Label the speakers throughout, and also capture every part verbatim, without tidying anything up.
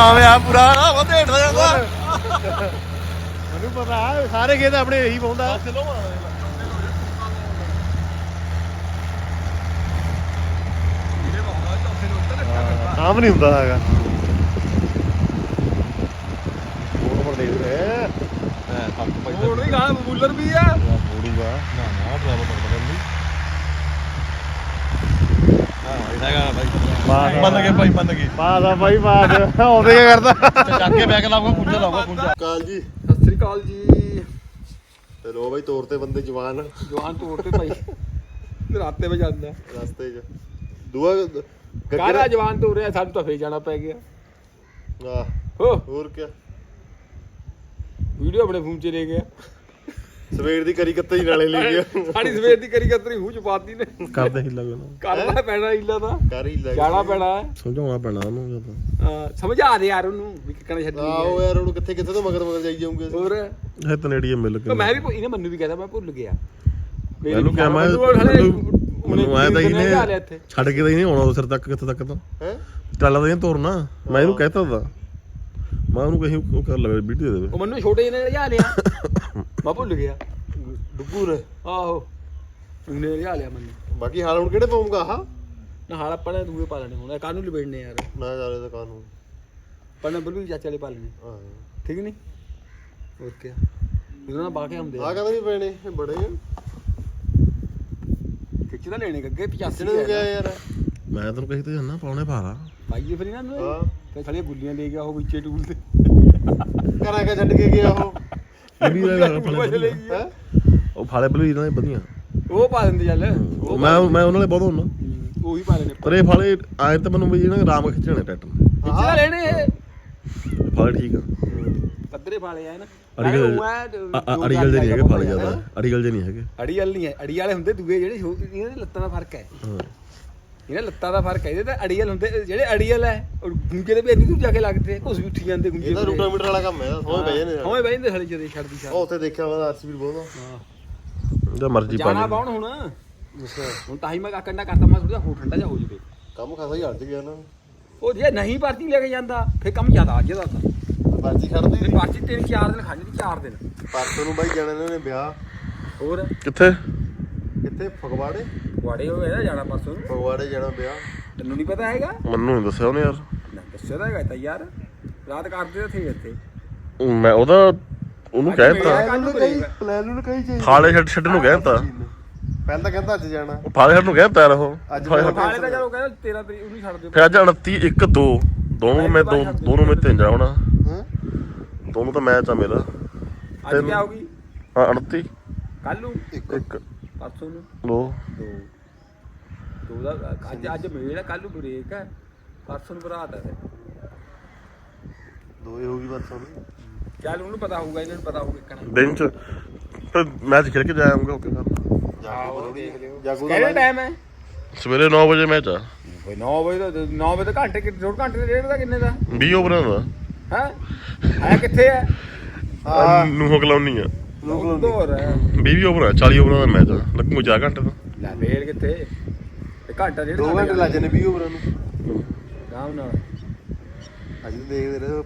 Speaker 1: ਜਾਮ ਆ ਪੂਰਾ ਨਾ ਉਹ ਢੇਡ ਹੋ ਜਾਂਦਾ
Speaker 2: ਮੈਨੂੰ ਪਤਾ ਸਾਰੇ ਖੇਤ ਆਪਣੇ ਇਹੀ ਪਾਉਂਦਾ ਆਮ ਨਹੀਂ ਹੁੰਦਾ ਹੈਗਾ ਉਹ ਪਰ ਦੇਖ ਲੈ
Speaker 1: ਹੁਣ ਵੀ ਗਾਣਾ ਬੂਲਰ ਵੀ ਆ
Speaker 2: ਮੋੜੂਗਾ
Speaker 1: ਨਾ ਨਾ ਡਰਾਈਵਰ ਪੜਦਾ ਨਹੀਂ ਹਾਂ ਇਹਦਾ ਗਾਣਾ ਬਾਈ ਬੰਦ ਕੇ ਭਾਈ ਬੰਦ ਕੇ
Speaker 2: ਬਾਦ ਆ ਬਾਈ ਬਾਦ ਆਉਂਦੇ ਕੀ ਕਰਦਾ
Speaker 1: ਚੱਕ ਕੇ ਬੈਗ ਲਾਊਗਾ ਕੁੰਜਾ ਲਾਊਗਾ ਕੁੰਜਾ
Speaker 2: ਕਾਲ ਜੀ
Speaker 3: ਸਤਿ ਸ੍ਰੀ ਅਕਾਲ ਜੀ
Speaker 2: ਤੇ ਲੋ ਬਾਈ ਤੋਰ ਤੇ ਬੰਦੇ ਜਵਾਨ
Speaker 3: ਜਵਾਨ ਤੋੜ ਤੇ ਭਾਈ ਰਾਤੇ ਵਜ ਜਾਂਦਾ
Speaker 2: ਰਸਤੇ 'ਚ ਦੂਆ
Speaker 3: ਕਾਹਦਾ ਜਵਾਨ ਤੋੜ ਰਿਹਾ ਸਾਨੂੰ ਤਾਂ ਫੇਰ ਜਾਣਾ ਪੈ ਗਿਆ
Speaker 2: ਆਹ
Speaker 3: ਹੋ
Speaker 2: ਹੋਰ ਕੀ
Speaker 3: ਵੀਡੀਓ ਆਪਣੇ ਫੋਨ 'ਚ ਲੈ ਗਿਆ
Speaker 2: ਸਵੇਰ ਦੀ ਕਰੀ ਕੱਤੇ ਹੀ ਨਾਲੇ ਲੈ ਗਿਆ
Speaker 3: ਸਾਡੀ ਸਵੇਰ ਦੀ ਕਰੀ ਕਤਰੀ ਮੂੰਹ ਚ ਪਾਤੀ ਨੇ
Speaker 2: ਕਰਦੇ ਹੀ ਲੱਗਣਾ
Speaker 3: ਕਰਨਾ ਪੈਣਾ ਹੀਲਾ ਤਾਂ
Speaker 2: ਕਰ ਹੀ ਲੱਗ
Speaker 3: ਜਾਣਾ ਪੈਣਾ
Speaker 2: ਸਮਝਾਉਣਾ ਪੈਣਾ ਉਹਨੂੰ ਜਦੋਂ
Speaker 3: ਹਾਂ ਸਮਝਾ ਦੇ ਯਾਰ ਉਹਨੂੰ ਵੀ ਕਿੱਕਣਾ ਛੱਡੀ
Speaker 2: ਆਹੋ ਯਾਰ ਉਹਨੂੰ ਕਿੱਥੇ ਕਿੱਥੇ ਤੋਂ ਮਗਰ ਮਗਰ ਜਾਈ ਜਾਊਂਗੇ
Speaker 3: ਹੋਰ
Speaker 2: ਇਹ ਤਨੇੜੀਏ ਮਿਲ ਕੇ
Speaker 3: ਮੈਂ ਵੀ ਭੁ- ਇਹਨੇ ਮੈਨੂੰ ਵੀ ਕਹਿੰਦਾ ਮੈਂ ਭੁੱਲ ਗਿਆ
Speaker 2: ਮੈਨੂੰ ਕਿਹਾ ਮੈਂ ਮੈਨੂੰ ਆਇਆ ਤਾਂ ਇਹਨੇ ਛੱਡ ਕੇ ਤਾਂ ਇਹਨੇ ਆਉਣਾ ਸਿਰ ਤੱਕ ਕਿੱਥੇ ਤੱਕ ਤਾਂ ਹੈ ਚੱਲਦਾ ਇਹਨੇ ਤੋਰਨਾ ਮੈਂ ਇਹਨੂੰ ਕਹਿਤਾ ਦਾ ਮੈਂ ਉਹਨੂੰ ਕਹੀ ਉਹ ਕਰ ਲਵੇ ਵੀਡੀਓ ਦੇ ਦੇਵੇ
Speaker 3: ਉਹ ਮੈਨੂੰ ਛੋਟੇ ਜਿਹੇ ਨੇ ਲਿਆ ਲਿਆ ਮੈਂ ਭੁੱਲ ਗਿਆ
Speaker 2: ਡੁੱਗੂਰ
Speaker 3: ਆਹੋ ਉਹਨੇ ਲਿਆ ਲਿਆ ਮੈਨੂੰ
Speaker 2: ਬਾਕੀ ਹਾਲ ਹੁਣ ਕਿਹੜੇ ਪਾਉਂਗਾ ਆਹ
Speaker 3: ਨਾ ਹਾਲ ਆਪਾਂ ਨੇ ਦੂਏ ਪਾ ਲੈਣੇ ਹੁਣ ਕਾਨੂੰ ਲਪੇੜਨੇ ਯਾਰ
Speaker 2: ਨਾ ਜਾਲੇ ਤਾਂ ਕਾਨੂੰ
Speaker 3: ਪਰ ਨੰਬਰ ਵੀ ਚਾਚੇ ਵਾਲੇ ਪਾ ਲੈਣੇ
Speaker 2: ਹਾਂ
Speaker 3: ਠੀਕ ਨਹੀਂ ਹੋਰ ਕੀ ਇਹਨਾਂ ਨਾਲ ਬਾਕੇ ਹੁੰਦੇ
Speaker 2: ਆ ਕਹਿੰਦਾ ਨਹੀਂ ਪੈਣੇ ਇਹ ਬੜੇ
Speaker 3: ਖਿੱਚ ਤਾਂ ਲੈਣੇ ਅੱਗੇ ਪਚਾਸੀ
Speaker 2: ਕਿਹਨੇ ਗਿਆ ਯਾਰ ਮੈਂ ਤੈਨੂੰ ਕਹੀ ਤੇ ਜਾਨਾ ਪਾਉਣੇ ਭਾਰਾ
Speaker 3: ਪਾਈਏ ਫਿਰ ਇਹਨਾਂ ਨੂੰ
Speaker 2: ਹਾਂ
Speaker 3: ਤੇ ਸਾਲੀਆਂ ਗੁੱਲੀਆਂ ਲੈ ਗਿਆ ਉਹ ਵਿੱਚੇ ਟੂਲ ਤੇ
Speaker 2: ਕਰਾਂ ਕੇ ਛੱਡ ਕੇ ਗਿਆ ਉਹ ਇਹ ਵੀ
Speaker 3: ਲੈ
Speaker 2: ਹੈ
Speaker 3: ਗਿਆ
Speaker 2: ਉਹ ਫਾਲੇ ਬਲੂ ਇਹਨਾਂ ਦੇ ਵਧੀਆ
Speaker 3: ਉਹ ਪਾ ਦਿੰਦੇ ਚੱਲ ਉਹ
Speaker 2: ਮੈਂ ਮੈਂ ਉਹਨਾਂ ਦੇ ਬਹੁਤ ਹੁੰਦਾ
Speaker 3: ਹੂੰ, ਉਹੀ ਪਾ ਲੈਣੇ
Speaker 2: ਪਰ ਇਹ ਫਾਲੇ ਆਏ ਤਾਂ ਮੈਨੂੰ ਵੀ ਇਹਨਾਂ ਰਾਮ ਖਿੱਚਣੇ ਟਰੈਕਟਰ
Speaker 3: ਖਿੱਚ ਤਾਂ ਲੈਣੇ ਇਹ
Speaker 2: ਫਾਲੇ ਠੀਕ ਆ
Speaker 3: ਪੱਧਰੇ ਵਾਲੇ ਆ ਨਾ
Speaker 2: ਅੜੀਗਲ ਅੜੀਗਲ ਦੇ ਨਹੀਂ ਹੈਗੇ ਫਾਲੇ ਜ਼ਿਆਦਾ ਅੜੀਗਲ ਦੇ ਨਹੀਂ ਹੈਗੇ
Speaker 3: ਅੜੀ ਵਾਲੇ ਨਹੀਂ ਹੈ ਅੜੀ ਵਾਲੇ ਹੁੰਦੇ ਦੂਏ ਜਿਹੜੇ ਛੋ- ਇਹਨਾਂ ਦੇ ਲੱਤਾਂ ਦਾ ਫਰਕ ਹੈ
Speaker 2: ਹਾਂ
Speaker 3: ਇਹਨਾਂ ਲੱਤਾਂ ਦਾ ਫਰਕ ਹੈ ਇਹਦੇ ਤਾਂ ਅੜੀਅਲ ਹੁੰਦੇ ਜਿਹੜੇ ਅੜੀਅਲ ਹੈ ਉਹ ਗੁੰਜੇ ਦੇ ਵੀ ਇੰਨੀ ਦੂਰ ਜਾ ਕੇ ਲੱਗਦੇ ਘੁਸ ਵੀ ਉੱਠੀ ਜਾਂਦੇ ਗੁੰਜੇ
Speaker 2: ਇਹਦਾ ਰੂਟਾ ਮੀਟਰ ਵਾਲਾ ਕੰਮ ਹੈ ਸੋਹਣੇ ਪੈ ਜਾਂਦੇ
Speaker 3: ਹੋਏ ਬਈ ਜਾਂਦੇ ਹਲੇ ਜਦੇ ਛੱਡਦੀ ਛੱਡ
Speaker 2: ਉਹ ਉੱਥੇ ਦੇਖਿਆ ਵਾ ਆਰਸੀਬੀ ਬਹੁਤ
Speaker 3: ਹਾਂ
Speaker 2: ਉਹਦਾ ਮਰਜ਼ੀ ਪਾ
Speaker 3: ਜਾਣਾ
Speaker 2: ਲੈ
Speaker 3: ਪਾਉਣ ਹੁਣ ਹੁਣ ਤਾਂ ਹੀ ਮੈਂ ਕੰਡਾ ਕਰਤਾ ਮੈਂ ਥੋੜਾ ਹੋ ਠੰਡਾ ਜਾ ਹੋ ਜਵੇ
Speaker 2: ਕੰਮ ਖਾਸਾ ਹੀ ਹਟ ਗਿਆ ਨਾ
Speaker 3: ਉਹ ਜੇ ਨਹੀਂ ਭਰਤੀ ਲੈ ਕੇ ਜਾਂਦਾ ਫੇਰ ਕੰਮ ਜ਼ਿਆਦਾ ਅੱਜ ਦਾ ਤਾਂ
Speaker 2: ਪਰਚੀ ਖੜਦੀ
Speaker 3: ਫੇਰ ਭਰਤੀ ਤਿੰਨ ਚਾਰ ਦਿਨ ਖਾਣੀ ਚਾਰ ਦਿਨ
Speaker 2: ਪਰਸੋਂ ਨੂੰ ਬਾਈ ਜਾਣਾ ਇਹਨਾਂ ਨੇ ਵਿਆਹ
Speaker 3: ਹੋਰ
Speaker 2: ਕਿੱਥੇ ਕਿੱਥੇ ਫਗਵਾੜੇ
Speaker 3: ਵਾੜੇ ਹੋ ਗਿਆ ਜਾਣਾ ਪਰਸੋਂ ਨੂੰ
Speaker 2: ਫਗਵਾੜੇ ਜਾਣਾ ਵਿਆਹ
Speaker 3: ਤੈਨੂੰ ਨਹੀਂ ਪਤਾ ਹੈਗਾ
Speaker 2: ਮੈਨੂੰ ਨਹੀਂ ਦੱਸਿਆ ਉਹਨੇ ਯਾਰ
Speaker 3: ਨਾ ਦੱਸਿਆ ਤਾਂ ਹੈਗਾ ਤਾਂ ਯਾਰ ਰਾਤ ਕਰਦੇ ਥੇ ਇੱਥੇ
Speaker 2: ਮੈਂ ਉਹਦਾ ਉਹਨੂੰ ਕਹਿਤਾ
Speaker 3: ਪਲਾਨ ਨੂੰ ਕਹੀ ਚਾਹੀਦੀ
Speaker 2: ਫਾਲੇ ਛੱਡ ਛੱਡ ਨੂੰ ਕਹਿਤਾ ਪਹਿਲਾਂ ਤਾਂ ਕਹਿੰਦਾ ਅੱਜ ਜਾਣਾ ਉਹ ਫਾਲੇ ਛੱਡ ਨੂੰ ਕਹਿਤਾ ਯਾਰ ਉਹ
Speaker 3: ਫਾਲੇ ਤਾਂ ਚਲੋ ਕਹਿੰਦਾ ਤੇਰਾ ਤਰੀਕ ਉਹਨੂੰ ਛੱਡ ਦਿਓ
Speaker 2: ਫਿਰ ਅੱਜ ਉਨੱਤੀ ਇੱਕ ਦੋ ਦੋਨੋਂ ਮੈਂ ਦੋ ਦੋਨੋਂ ਮੈਂ ਤਿੰਨ ਜਾ ਹੋਣਾ ਹਾਂ ਦੋਨੋਂ ਤਾਂ ਮੈਚ ਆ ਮੇਰਾ
Speaker 3: ਅੱਜ ਕੀ ਆਉਗੀ
Speaker 2: ਹਾਂ ਉਨੱਤੀ
Speaker 3: ਕੱਲ ਨੂੰ
Speaker 2: ਇੱਕ
Speaker 3: ਪਰਸੋਂ ਨੂੰ
Speaker 2: ਦੋ
Speaker 3: ਦੋ ਦੋ ਦਾ ਅੱਜ ਅੱਜ ਮੇਲ ਹੈ ਕੱਲ ਨੂੰ ਬ੍ਰੇਕ ਹੈ ਪਰਸੋਂ ਨੂੰ ਬਰਾਤ ਹੈ
Speaker 2: ਦੋ ਹੀ ਹੋਊਗੀ ਬਸ ਹੁਣ
Speaker 3: ਚੱਲ ਉਹਨੂੰ ਪਤਾ ਹੋਊਗਾ ਇਹਨਾਂ ਨੂੰ ਪਤਾ ਹੋਊਗਾ ਕਿੱਕਣਾ
Speaker 2: ਦਿਨ ਚ ਫਿਰ ਮੈਚ ਖੇਡ ਕੇ ਜਾਵਾਂਗਾ ਓਕੇ ਕਰ
Speaker 3: ਆਹੋ ਦੇਖ ਲਿਓ
Speaker 2: ਜਾਗੂ
Speaker 3: ਕਿਹੜਾ ਟਾਈਮ ਹੈ
Speaker 2: ਸਵੇਰੇ ਨੌ ਵਜੇ ਮੈਚ ਆ
Speaker 3: ਬਈ ਨੌ ਵਜੇ ਦਾ ਨੌ ਵਜੇ ਦਾ ਘੰਟੇ ਕਿ ਡੇਢ ਘੰਟੇ ਦੇ ਡੇਢ ਦਾ ਕਿੰਨੇ ਦਾ
Speaker 2: ਵੀਹ ਓਵਰਾਂ ਦਾ
Speaker 3: ਹੈ ਆਇਆ ਕਿੱਥੇ ਹੈ
Speaker 2: ਹਾਂ ਨੂੰ ਕਲਾਉਣੀ ਆ
Speaker 3: ਹੋਰ ਹੈ
Speaker 2: ਵੀਹ ਓਵਰ ਚਾਲੀ ਓਵਰਾਂ ਦਾ ਮੈਚ ਆ ਲੱਗੂ ਚਾਰ ਘੰਟੇ ਦਾ
Speaker 3: ਲੈ ਫੇਰ ਕਿੱਥੇ ਤੇ ਘੰਟਾ ਡੇਢ
Speaker 2: ਦੋ ਘੰਟੇ ਲੱਗ ਜਾਣੇ ਵੀਹ ਓਵਰਾਂ ਨੂੰ
Speaker 3: ਆਰਾਮ ਨਾਲ
Speaker 2: ਅੱਜ ਦੇਖਦੇ ਰਹੇ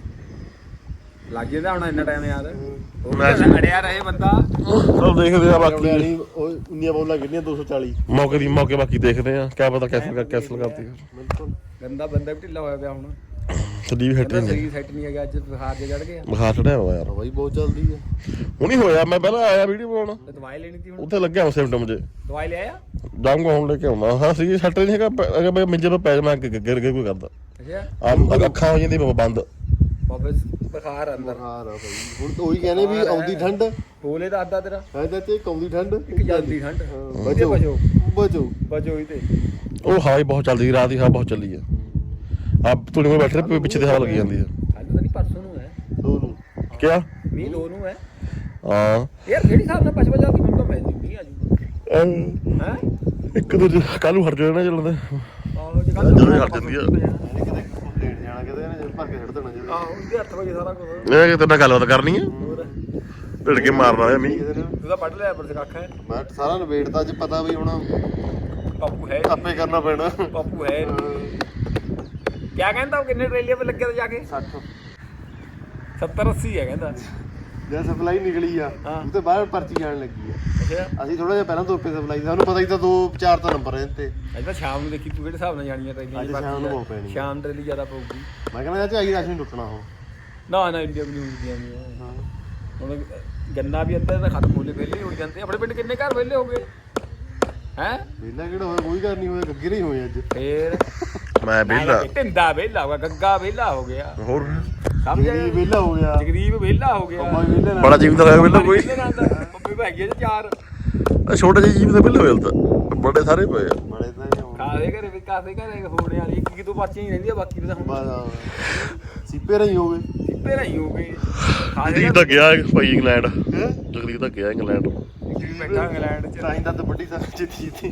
Speaker 3: ਲੱਗ ਜਾਂਦਾ ਹੁਣ ਇੰਨਾ ਟਾਈਮ ਯਾਰ
Speaker 2: ਮੈਚ
Speaker 3: ਅੜਿਆ ਰਹੇ ਬੰਦਾ
Speaker 2: ਚਲ ਦੇਖਦੇ ਆ ਬਾਕੀ ਉਹ ਉਨੀਆਂ ਬੋਲਾਂ ਕਿੰਨੀਆਂ ਦੋ ਸੌ ਚਾਲੀ ਮੌਕੇ ਦੀ ਮੌਕੇ ਬਾਕੀ ਦੇਖਦੇ ਆ ਕਿਆ ਪਤਾ ਕੈਸਲ ਕਰ ਕੈਸਲ ਕਰਤੀ ਬਿਲਕੁਲ
Speaker 3: ਗੰਦਾ ਬੰਦਾ ਵੀ ਢਿੱਲਾ ਹੋਇਆ ਪਿਆ ਹੁਣ
Speaker 2: ਸਲੀਪ ਹਟ ਨਹੀਂ
Speaker 3: ਸਹੀ ਸੈੱਟ ਨਹੀਂ ਹੈਗਾ ਅੱਜ ਬੁਖਾਰ ਜਿਹਾ ਚੜ ਗਿਆ
Speaker 2: ਬੁਖਾਰ ਚੜਿਆ ਹੋਇਆ ਯਾਰ ਬਾਈ ਬਹੁਤ ਚੱਲਦੀ ਆ ਹੁਣੀ ਹੋਇਆ ਮੈਂ ਪਹਿਲਾਂ ਆਇਆ ਵੀਡੀਓ ਬਣਾਉਣ
Speaker 3: ਤੇ ਦਵਾਈ ਲੈਣੀ ਸੀ ਹੁਣ
Speaker 2: ਉੱਥੇ ਲੱਗਿਆ ਉਹ ਸਿਮਟਮ ਜੇ
Speaker 3: ਦਵਾਈ ਲੈ ਆਇਆ
Speaker 2: ਜਾਊਂਗਾ ਹੁਣ ਲੈ ਕੇ ਆਉਂਦਾ ਹਾਂ ਸੀ ਸੱਟ ਨਹੀਂ ਹੈਗਾ ਅਗਰ ਮੈਂ ਮੰਜੇ ਤੋਂ ਪੈ ਜਾਵਾਂ ਗਿਰ ਗਿਰ ਕੋਈ ਕਰਦਾ
Speaker 3: ਅੱਛਾ
Speaker 2: ਆ ਅੱਖਾਂ ਹੋ ਜਾਂਦੀ ਬੰਦ
Speaker 3: ਬਾਬੇ ਬੁਖਾਰ ਅੰਦਰ
Speaker 2: ਬੁਖਾਰ ਆ ਭਾਈ ਹੁਣ ਉਹੀ ਕਹਿੰਦੇ ਵੀ ਆਉਂਦੀ ਠੰਡ
Speaker 3: ਬੋਲੇ ਦਾ ਅੱਧਾ ਤੇਰਾ
Speaker 2: ਹੈ ਚਾਚੇ ਆਉਂਦੀ ਠੰਡ
Speaker 3: ਇੱਕ ਜਾਂਦੀ ਠੰਡ
Speaker 2: ਬਚੋ
Speaker 3: ਬਚੋ
Speaker 2: ਬਚੋ
Speaker 3: ਬਚੋ ਹੀ ਤੇ
Speaker 2: ਉਹ ਹਵਾ ਹੀ ਬਹੁਤ ਚੱਲਦੀ ਰਾਤ ਦੀ ਹਵਾ ਬਹੁਤ ਚੱਲੀ ਆ ਆ ਤੁੜੀ ਮੇ ਬੈਠੇ ਰਹੇ ਪਿੱਛੇ ਤੇ ਹਵਾ ਲੱਗੀ ਜਾਂਦੀ ਆ
Speaker 3: ਕੱਲ ਤਾਂ ਨਹੀਂ ਪਰਸੋਂ ਨੂੰ ਹੈ
Speaker 2: ਦੋ ਨੂੰ ਕਿਆ
Speaker 3: ਮੀਂਹ ਦੋ ਨੂੰ ਹੈ
Speaker 2: ਹਾਂ
Speaker 3: ਯਾਰ ਜਿਹੜੀ ਹਿਸਾਬ ਨਾਲ ਪਛਵਾ ਜਾਂਦੀ ਮੈਨੂੰ ਤਾਂ ਮੈਨੂੰ ਮੀਂਹ ਆ ਜੂ ਹੈ
Speaker 2: ਇੱਕ ਦੂਜੇ ਕੱਲ ਨੂੰ ਹਟ ਜਾਣਾ ਚੱਲਦੇ
Speaker 3: ਆਹੋ ਜੇ ਕੱਲ
Speaker 2: ਜਦੋਂ ਹਟ ਜਾਂਦੀ ਆ
Speaker 3: ਕਿਤੇ ਲੇਟ ਜਾਣਾ ਕਿਤੇ ਇਹਨੇ ਭਰ ਕੇ ਛੱਡ ਦੇਣਾ ਜੀ ਆਹੋ ਇਹਦੇ ਅੱਠ ਵਜੇ ਸਾਰਾ ਕੁਝ
Speaker 2: ਇਹ ਕਿਤੇ ਨਾਲ ਗੱਲਬਾਤ ਕਰਨੀ ਆ ਢਿੜ ਕੇ ਮਾਰਨ ਵਾਲੇ ਮੀਂਹ
Speaker 3: ਤੂੰ ਤਾਂ ਪੜ ਲਿਆ ਪਰ ਕੱਖ ਹੈ
Speaker 2: ਮੈਂ ਸਾਰਾ ਨਵੇੜਤਾ ਅੱਜ ਪਤਾ ਵੀ ਹੁਣ
Speaker 3: ਪਾਪੂ ਹੈ
Speaker 2: ਆਪੇ ਕਰਨਾ ਪੈਣਾ
Speaker 3: ਪਾਪੂ ਹੈ ਕਿਆ ਕਹਿੰਦਾ ਉਹ ਕਿੰਨੇ ਟਰੇਲੀਆਂ 'ਤੇ ਲੱਗਿਆ ਤਾਂ ਜਾ ਕੇ
Speaker 4: ਸੱਠ
Speaker 3: ਸੱਤਰ ਅੱਸੀ ਹੈ ਕਹਿੰਦਾ
Speaker 4: ਜਦ ਸਪਲਾਈ ਨਿਕਲੀ ਆ
Speaker 3: ਹਾਂ।
Speaker 4: ਉਹ ਤੇ ਬਾਹਰ ਪਰਚੀ ਜਾਣ ਲੱਗੀ ਆ
Speaker 3: ਅੱਛਾ
Speaker 4: ਅਸੀਂ ਥੋੜਾ ਜਿਹਾ ਪਹਿਲਾਂ ਤੋਂ ਪੇ ਸਪਲਾਈ ਸਾਨੂੰ ਪਤਾ ਹੀ ਤਾਂ ਦੋ ਚਾਰ ਤਾਂ ਨੰਬਰ ਇਹਦੇ ਤੇ
Speaker 3: ਅੱਜ ਤਾਂ ਸ਼ਾਮ ਨੂੰ ਦੇਖੀ ਤੂੰ ਕਿਹੜੇ ਹਿਸਾਬ ਨਾਲ ਜਾਣੀਆਂ ਟਰੇਲੀਆਂ
Speaker 4: ਅੱਜ ਸ਼ਾਮ ਨੂੰ ਬਹੁਤ ਪੈਣੀ ਆ।
Speaker 3: ਸ਼ਾਮ ਟਰੇਲੀ ਜ਼ਿਆਦਾ ਪਊਗੀ
Speaker 4: ਮੈਂ ਕਹਿੰਦਾ ਚਾਚਾ ਆਈ ਰਾਸ਼ਨ ਟੁੱਟਣਾ ਉਹ
Speaker 3: ਨਾ ਨਾ ਇੰਡੀਆ ਵੀ ਨਹੀਂ ਹੁੰਦੀਆਂ ਨਹੀਂ
Speaker 4: ਹਾਂ
Speaker 3: ਹੁਣ ਗੰਨਾ ਵੀ ਅੱਧਾ ਤਾਂ ਖਤਮ ਹੋਲੇ ਵਿਹਲੇ ਹੋ ਜਾਂਦੇ ਆਪਣੇ ਪਿੰਡ ਕਿੰਨੇ ਘਰ ਵਿਹਲੇ ਹੋ ਗਏ ਹੈ
Speaker 4: ਵਿਹਲਾ ਕਿਹੜਾ ਹੋਇਆ ਕੋਈ ਘਰ ਨਹੀਂ ਹੋਇਆ ਗੱਗੇ ਨਹੀਂ ਹੋਏ ਅੱਜ
Speaker 3: ਫੇਰ
Speaker 2: ਮੈਂ ਵਿਹਲਾ
Speaker 3: ਢਿੰਦਾ ਵਿਹਲਾ ਹੋ ਗਿਆ ਗੱਗਾ ਵਿਹਲਾ ਹੋ ਗਿਆ
Speaker 2: ਹੋਰ
Speaker 3: ਸਮਝ
Speaker 4: ਜਿਹੜੀ ਵਿਹਲਾ ਹੋ ਗਿਆ
Speaker 3: ਜਗਰੀਬ ਵਿਹਲਾ ਹੋ ਗਿਆ
Speaker 4: ਕੰਮਾਂ ਵਿਹਲੇ ਨਾਲ
Speaker 2: ਬੜਾ ਜੀਵ ਦਾ ਹੋਇਆ ਵਿਹਲਾ ਕੋਈ
Speaker 3: ਮੰਮੀ ਭਾਈ ਹੈ ਚਾਰ
Speaker 2: ਆਹ ਛੋਟੇ ਜਿਹੇ ਜੀਵ ਦਾ ਵਿਹਲਾ ਹੋਇਆ ਤਾਂ ਬੜੇ ਸਾਰੇ ਪਏ ਆ
Speaker 4: ਬੜੇ ਤਾਂ ਨਹੀਂ ਹੋਣੇ।
Speaker 3: ਕਾਦੇ ਘਰੇ ਵੀ ਕਾਦੇ ਘਰੇ ਹੋਣੇ ਵਾਲੀ ਇੱਕ ਦੋ ਪਰਚੀਆਂ ਹੀ ਰਹਿੰਦੀਆਂ ਬਾਕੀ ਤਾਂ ਹੁਣ
Speaker 4: ਬਸ ਆਹ। ਸੀਪੇ ਰਹੀ ਹੋਵੇ
Speaker 3: ਸਿੱਪੇ ਨਹੀਂ ਹੋ ਗਏ
Speaker 2: ਜਗਦੀਪ ਤਾਂ ਗਿਆ ਭਾਈ ਇੰਗਲੈਂਡ
Speaker 4: ਹੈ
Speaker 2: ਜਗਦੀਪ ਤਾਂ ਗਿਆ ਇੰਗਲੈਂਡ
Speaker 3: ਬੈਠਾ ਇੰਗਲੈਂਡ ਚ
Speaker 4: ਤਾਂ ਹੀ ਤਾਂ ਵੱਡੀ ਸਾਰੀ ਜਿੱਤੀ ਸੀ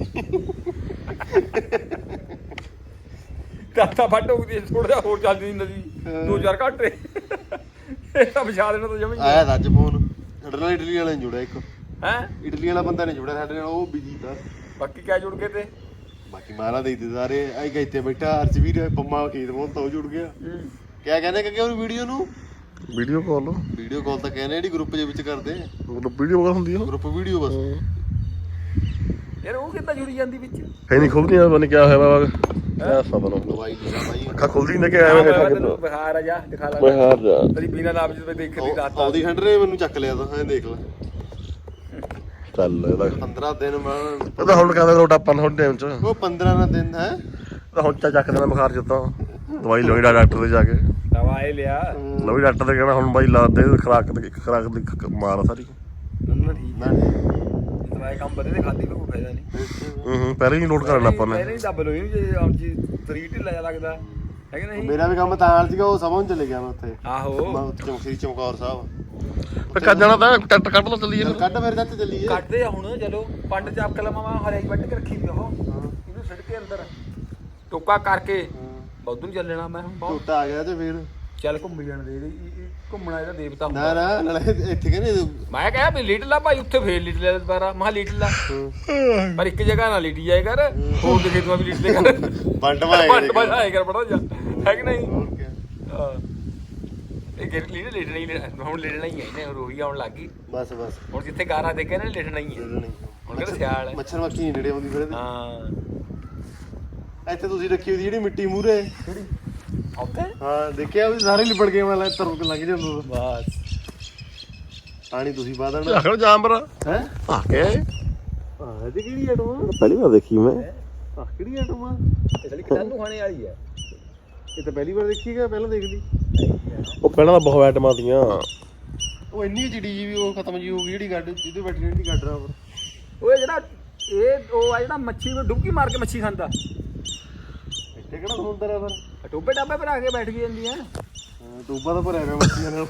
Speaker 3: ਦਾਤਾ ਫੱਟ ਹੋ ਗਈ ਥੋੜਾ ਜਿਹਾ ਹੋਰ ਚੱਲ ਜਾਂਦੀ ਨਦੀ ਦੋ ਚਾਰ ਘੰਟੇ ਇਹ ਤਾਂ ਵਿਛਾ ਦੇਣਾ ਤਾਂ ਜਮੀ
Speaker 4: ਆਇਆ ਤਾਂ ਅੱਜ ਫੋਨ ਸਾਡੇ ਨਾਲ ਇਟਲੀ ਵਾਲੇ ਨੇ ਜੁੜਿਆ ਇੱਕ
Speaker 3: ਹੈ
Speaker 4: ਇਟਲੀ ਵਾਲਾ ਬੰਦਾ ਨੇ ਜੁੜਿਆ ਸਾਡੇ ਨਾਲ ਉਹ ਬਿਜੀ ਤਾਂ
Speaker 3: ਬਾਕੀ ਕਿਆ ਜੁੜ ਗਏ ਤੇ
Speaker 4: ਬਾਕੀ ਮਾਰਾ ਦੇ ਦਿੱਤੇ ਸਾਰੇ ਆਈ ਗਏ ਇੱਥੇ ਬੈਠਾ ਹਰਚਵੀਰ ਪੰਮਾ ਖੇਤ ਮੋਂ ਤਾਂ ਉਹ ਜੁੜ ਗਿਆ ਕਿਆ ਕਹਿੰਦੇ ਕਿ ਉਹ ਵੀਡੀਓ ਨੂੰ
Speaker 2: ਵੀਡੀਓ ਕਾਲ
Speaker 4: ਵੀਡੀਓ ਕਾਲ ਤਾਂ ਕਹਿੰਦੇ ਜਿਹੜੀ ਗਰੁੱਪ ਦੇ ਵਿੱਚ ਕਰਦੇ
Speaker 2: ਮਤਲਬ ਵੀਡੀਓ ਕਾਲ ਹੁੰਦੀ ਆ
Speaker 4: ਗਰੁੱਪ ਵੀਡੀਓ ਬਸ
Speaker 3: ਯਾਰ ਉਹ ਕਿੱਦਾਂ ਜੁੜੀ ਜਾਂਦੀ ਵਿੱਚ
Speaker 2: ਹੈ ਨਹੀਂ ਖੁੱਲਦੀ ਆ ਪਤਾ ਕਿਆ ਹੋਇਆ ਬਾਬਾ ਕਿਆ ਸਬਰ ਹੋ
Speaker 4: ਦਵਾਈ ਲੈ ਬਾਈ
Speaker 2: ਅੱਖਾਂ ਖੁੱਲਦੀ ਨੇ ਕਿ ਐਵੇਂ
Speaker 3: ਮੈਂ
Speaker 2: ਬੈਠਾ
Speaker 3: ਤੈਨੂੰ ਬਿਹਾਰ ਆ ਜਾ ਦਿਖਾ ਲਾ
Speaker 2: ਮੈਂ ਹਾਰ ਜਾ
Speaker 3: ਤੇਰੀ ਬਿਨਾ ਨਾਮ ਜਿਸ ਤੇ ਦੇਖ ਲਈ ਰਾਤ
Speaker 4: ਆਉਦੀ ਹੰਡਰੇ ਮੈਨੂੰ ਚੱਕ ਲਿਆ ਤਾਂ ਐਂ ਦੇਖ ਲੈ
Speaker 2: ਚੱਲ ਇਹਦਾ
Speaker 4: ਪੰਦਰਾਂ ਦਿਨ ਮੈਂ
Speaker 2: ਇਹ ਤਾਂ ਹੁਣ ਕਹਿੰਦਾ ਰੋਟਾ ਆਪਾਂ ਹੁਣ ਟਾਈਮ ਚ
Speaker 4: ਉਹ ਪੰਦਰਾਂ ਨਾ ਦਿਨ ਹੈ
Speaker 2: ਤਾਂ ਹੁਣ ਚਾ ਚੱਕ ਦੇਣਾ ਬੁਖਾਰ ਜਿੱਦਾਂ ਦਵਾਈ ਲੋਈ ਡਾਕਟਰ ਦੇ ਜਾ ਕੇ
Speaker 3: ਦਵਾਈ ਲਿਆ
Speaker 2: ਲੋਈ ਡਾਕਟਰ ਦੇ ਕਹਿਣਾ ਹੁਣ ਬਾਈ ਲਾ ਦੇ ਖਰਾਕ ਤੇ ਖਰਾਕ ਦੀ ਖ- ਮਾਰ ਆ ਸਾਰੀ
Speaker 3: ਨਾ ਠੀਕ
Speaker 4: ਨਾ
Speaker 3: ਦਵਾਈ ਕੰਮ ਬਦੇ ਤੇ ਖਾਦੀ ਕੋਈ ਫਾਇਦਾ ਨਹੀਂ
Speaker 2: ਹੂੰ ਹੂੰ ਪਹਿਲਾਂ ਹੀ ਨੋਟ ਕਰਨਾ ਆਪਾਂ ਨੇ
Speaker 3: ਪਹਿਲਾਂ ਹੀ ਦੱਬ ਲੋ ਇਹਨੂੰ ਜੇ ਆਮ ਜੀ ਤਰੀ ਢਿੱਲਾ ਜਿਹਾ ਲੱਗਦਾ ਹੈ ਕਿ ਨਹੀਂ
Speaker 4: ਮੇਰਾ ਵੀ ਕੰਮ ਤਾਂ ਹਾਲ ਸੀਗਾ ਉਹ ਸਮਝ ਚਲੇ ਗਿਆ ਮੈਂ ਉੱਥੇ
Speaker 3: ਆਹੋ
Speaker 4: ਮੈਂ ਉੱਥੇ ਚੌਂਕੀ ਚਮਕੌਰ ਸਾਹਿਬ
Speaker 2: ਤੇ ਕੱਜ ਜਾਣਾ ਤਾਂ ਟੱਟ ਕੱਢ ਲਾ ਚੱਲੀਏ
Speaker 4: ਚੱਲ ਕੱਢ ਫਿਰ ਚੱਲ ਚੱਲੀਏ
Speaker 3: ਕੱਢਦੇ ਆ ਹੁਣ ਚਲੋ ਪੰਡ ਚ ਆਪ ਕਲਮਾ ਹਰਿਆਈ ਵੱਢ ਕੇ ਰੱਖੀ ਵੀ ਉਹ ਇਹਨੂੰ ਛੱਡ ਕੇ ਅੰਦਰ ਟੋਕਾ ਕਰਕੇ ਬੌਧੂ ਨੂੰ ਚੱਲਣਾ ਮੈਂ ਹੁਣ ਬਹੁਤ
Speaker 4: ਟੋਟਾ ਆ ਗਿਆ ਤੇ ਫਿਰ
Speaker 3: ਚੱਲ ਘੁੰਮ ਜਾਣ ਦੇ ਇਹਦੇ- ਇਹ- ਇਹ ਘੁੰਮਣਾ ਇਹਦਾ ਦੇਵਤਾ
Speaker 4: ਨਾ
Speaker 3: ਹੁੰਦਾ
Speaker 4: ਨਾ ਨਾਲੇ ਇੱਥੇ ਕਹਿੰਦੇ
Speaker 3: ਮੈਂ ਕਿਹਾ ਵੀ ਲਿਟ ਲਾ ਭਾਈ ਉੱਥੇ ਫੇਰ ਲਿਟ ਲੈ ਦੁਬਾਰਾ ਮੈਂ ਲਿਟ ਲਾ ਪਰ ਇੱਕ ਜਗ੍ਹਾ ਨਾ ਲਿਟੀ ਜਾਏ ਕਰ ਹੋਰ ਦੇ ਖੇਤ ਮਾ ਵੀ ਲਿਟ ਲੈ ਕਰ
Speaker 4: ਵੰਡ ਵਾਏ
Speaker 3: ਪੰਡ ਬਣਾਏ ਕਰ ਬੜਾ ਜਾ ਹੈ ਕਿ ਨਹੀਂ
Speaker 4: ਹੋਰ ਕੀ
Speaker 3: ਹਾਂ ਇਹ ਗਿਰ ਲੀਡ ਲਿਟਣਾ ਹੀ ਹੁਣ ਲਿਟਣਾ ਹੀ ਹੈ ਇਹਨੇ ਰੋਹੀ ਆਉਣ ਲੱਗ ਗਈ
Speaker 4: ਬਸ ਬਸ
Speaker 3: ਹੁਣ ਜਿੱਥੇ ਗਾਰਾ ਦੇਖਿਆ ਨਾ ਲਿਟਣਾ ਹੀ ਹੈ ਹੁਣ ਕਹਿੰਦੇ ਸਿਆਲ ਹੈ
Speaker 4: ਮੱਛਰ ਮੱਖੀ ਨਹੀਂ ਨੇੜੇ ਆਉਂਦੀ ਫਿਰ ਇਹਦੇ
Speaker 3: ਹਾਂ
Speaker 4: ਇੱਥੇ ਤੁਸੀਂ ਰੱਖੀ ਹੋਈ ਜਿਹੜੀ ਮਿੱਟੀ ਮੂਰੇ
Speaker 3: ਕਿਹੜੀ ਉੱਥੇ
Speaker 4: ਹਾਂ ਦੇਖਿਆ ਵੀ ਸਾਰੇ ਲਿਪੜ ਗਏ ਵਾਲਾ ਤਰੁਕ ਲੰਘ ਜਾਂਦਾ
Speaker 3: ਬਸ
Speaker 4: ਪਾਣੀ ਤੁਸੀਂ ਪਾ ਦੇਣਾ
Speaker 2: ਆਖਰ ਜਾਮਬਰ
Speaker 4: ਹੈ
Speaker 2: ਆ ਕੇ
Speaker 4: ਆਹ ਇਹਦੀ ਕਿਹੜੀ ਆਟੋ ਆ
Speaker 2: ਪਹਿਲੀ ਵਾਰ ਦੇਖੀ ਮੈਂ
Speaker 4: ਆਹ ਕਿਹੜੀ ਆਟੋ ਆ
Speaker 3: ਇਹ ਸਾਲੀ ਕਿਤਾਨੂੰ ਖਾਣੇ ਵਾਲੀ ਹੈ
Speaker 4: ਇਹ ਤਾਂ ਪਹਿਲੀ ਵਾਰ ਦੇਖੀ ਗਿਆ ਪਹਿਲਾਂ ਦੇਖ ਲਈ
Speaker 2: ਉਹ ਪਹਿਲਾਂ ਤਾਂ ਬਹੁਤ ਆਈਟਮਾਂ ਦੀਆਂ
Speaker 4: ਉਹ ਇੰਨੀ ਚਿੜੀ ਜੀ ਵੀ ਉਹ ਖਤਮ ਜੀ ਹੋ ਗਈ ਜਿਹੜੀ ਗੱਡ ਜਿਹਦੇ ਬੈਠੀ ਰਹਿੰਦੀ ਗੱਡ ਰਾ
Speaker 3: ਉਹ ਜਿਹੜਾ ਇਹ ਉਹ ਆ ਜਿਹੜਾ ਮੱਛੀ ਨੂੰ ਡੁਬਕੀ ਮਾਰ ਕੇ ਮੱਛੀ ਖਾਂਦਾ
Speaker 4: ਇੱਥੇ ਕਿਹੜਾ ਸਮੁੰਦਰ ਆ ਫਿਰ
Speaker 3: ਟੋਬੇ ਟਾਬੇ ਭਰਾ ਕੇ ਬੈਠ ਗਈ ਜਾਂਦੀ ਹੈ
Speaker 4: ਟੂਬਾ ਤਾਂ ਭਰਿਆ ਹੋਇਆ ਮੱਛੀਆਂ ਨਾਲ